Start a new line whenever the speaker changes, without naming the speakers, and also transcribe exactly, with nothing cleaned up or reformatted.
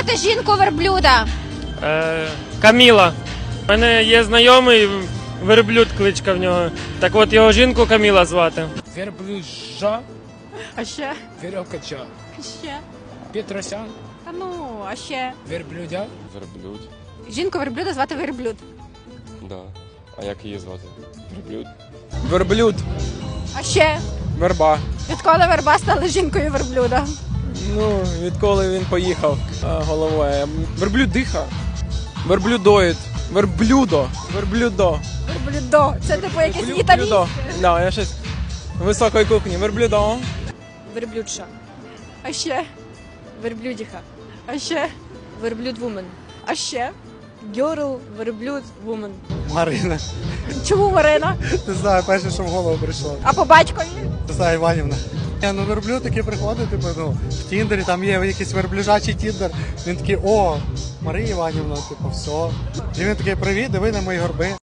звати жінку верблюда?
Е, Каміла. У мене є знайомий верблюд, кличка в нього. Так от його жінку Каміла звати.
Верблюжа,
А ще?
веревкача,
Ще?
Петросян,
Та ну, а ще?
верблюдя,
Верблюд,
Жінку верблюда звати верблюд.
да. А як її звати? Верблюд?
верблюд,
А ще?
верба.
Відколи верба стала жінкою верблюда?
Ну, відколи він поїхав а, головою. Верблюдиха, верблюдоїд, верблюдо, верблюдо.
Верблюдо. Це типу якесь
Верблюдо.
італійське.
Да, я щось високої кухні. Верблюдо.
Верблюдша,
А ще?
верблюдиха,
А ще?
верблюд вумен,
А ще?
гьорл, верблюд вумен.
Марина.
Чому Марина?
Не знаю, перше, що в голову прийшло.
А по батькові?
Не знаю, Іванівна. Я ну верблюд такий приходить, типу, ну, в Тіндері, там є якийсь верблюжачий Тіндер. Він такий, о, Марія Іванівна, типу, все. І він такий, привіт, диви на мої горби.